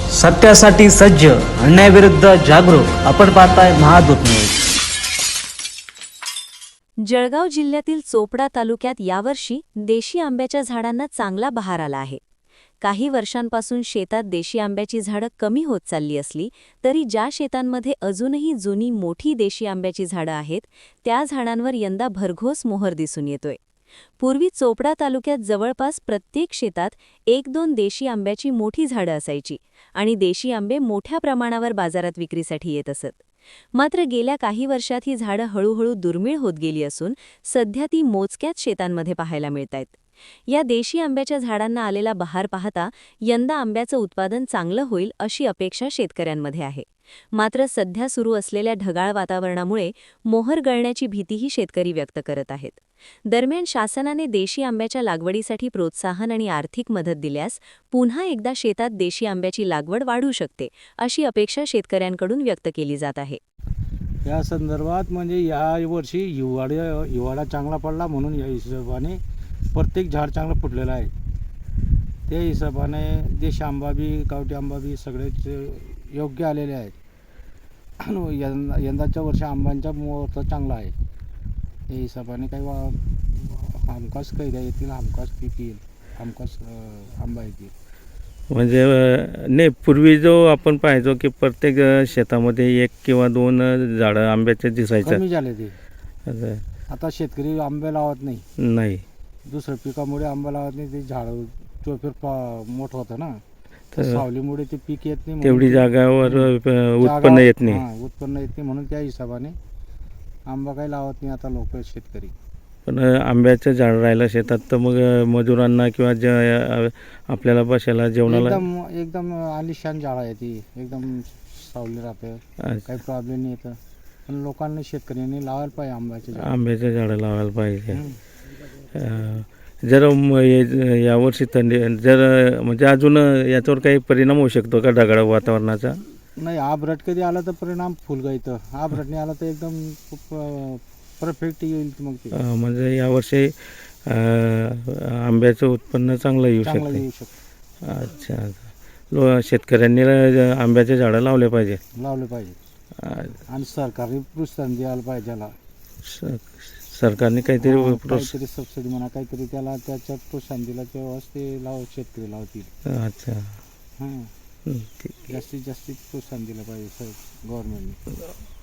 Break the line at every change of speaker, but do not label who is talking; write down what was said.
सत्यासाठी सज्ज, अन्यायाविरुद्ध जागरूक. आपण पाहताय महादूत न्यूज.
जळगाव जिल्ह्यातील चोपडा तालुक्यात यावर्षी देशी आंब्याच्या झाडांना चांगला बहार आला आहे. काही वर्षांपासून शेतात देशी आंब्याची झाडं कमी होत चालली असली तरी ज्या शेतांमध्ये अजूनही जुनी मोठी देशी आंब्याची झाडं आहेत त्या झाडांवर यंदा भरघोस मोहर दिसून येतोय. पूर्वी चोपडा तालुक्यात जवळपास प्रत्येक शेतात 1-2 देशी आंब्याची मोठी झाडं असायची आणि देशी आंबे मोठ्या प्रमाणावर बाजारात विक्रीसाठी येत असत. मात्र गेल्या काही वर्षात ही झाडं हळूहळू दुर्मिळ होत गेली असून सध्या ती मोजक्याच शेतांमध्ये पाहायला मिळतायत. या देशी आंब्याच्या झाडांना आलेला बहार पाहता यंदा आंब्याचं उत्पादन चांगलं होईल अशी अपेक्षा शेतकऱ्यांमध्ये आहे. मात्र सध्या सुरू असलेल्या ढगाळ वातावरणामुळे मोहर गळण्याची भीतीही शेतकरी व्यक्त करत आहेत. दरम्यान शासनाने देशी आंब्याच्या लागवडीसाठी प्रोत्साहन आणि आर्थिक मदत दिल्यास पुन्हा एकदा शेतात देशी आंब्याची लागवड वाढू शकते अशी अपेक्षा शेतकऱ्यांकडून व्यक्त केली जात आहे.
या संदर्भात म्हणजे या वर्षी हिवाळा चांगला पडला म्हणून या हिशोबाने प्रत्येक झाड चांगलं फुटलेलं आहे. त्या हिशोबाने देशी आंबा बी गावठी आंबा बी सगळेच योग्य आलेले आहेत. यंदाच्या वर्षी आंब्यांचा मुहूर्त चांगला आहे. त्या हिशोबाने काही हमखास कैऱ्या येतील, हमखास पीक येईल, हमखास आंबा येतील.
म्हणजे नाही, पूर्वी जो आपण पाहायचो की प्रत्येक शेतामध्ये 1 किंवा 2 झाडं आंब्याचे दिसायचं.
कमी झाले ते. आता शेतकरी आंबे लावत नाही. दुसऱ्या पिकामुळे आंबा लावत नाही. ते झाडं चोफेर मोठं होतं ना, तर सावलीमुळे ते पीक येत नाही.
तेवढी जागावर उत्पन्न येत नाही.
उत्पन्न येत नाही म्हणून त्या हिशोबाने आंबा काही लावत नाही आता लोक शेतकरी.
पण आंब्याचं झाड राहिलं शेतात तर मग मजुरांना किंवा आपल्याला बसायला जेवणाला
एकदम आलिशान झाड आहे ती. एकदम सावली राहते, काही प्रॉब्लेम नाही येतं. पण लोकांनी शेतकऱ्यांनी लावायला पाहिजे आंब्याचे
झाडं लावायला पाहिजे. जर यावर्षी थंडी जर म्हणजे अजून याच्यावर काही परिणाम होऊ शकतो का ढगाळ वातावरणाचा?
नाही, आभरट कधी आला तर परिणाम फुलगा येतं. आभरट नाही आला तर एकदम खूप परफेक्ट येईल. मग ते
म्हणजे यावर्षी आंब्याचं उत्पन्न चांगलं येऊ शकतं. अच्छा, शेतकऱ्यांनी आंब्याचे झाडं लावले पाहिजे.
आणि सरकारने प्रोत्साहन द्यायला पाहिजे त्याला.
सरकारने काहीतरी
सबसिडी म्हणा, काहीतरी त्याला त्याच्यात प्रोत्साहन दिलं तेव्हाच ते शेतकरी लावतील.
अच्छा,
हां, जास्तीत जास्त प्रोत्साहन दिलं पाहिजे गव्हर्नमेंटने.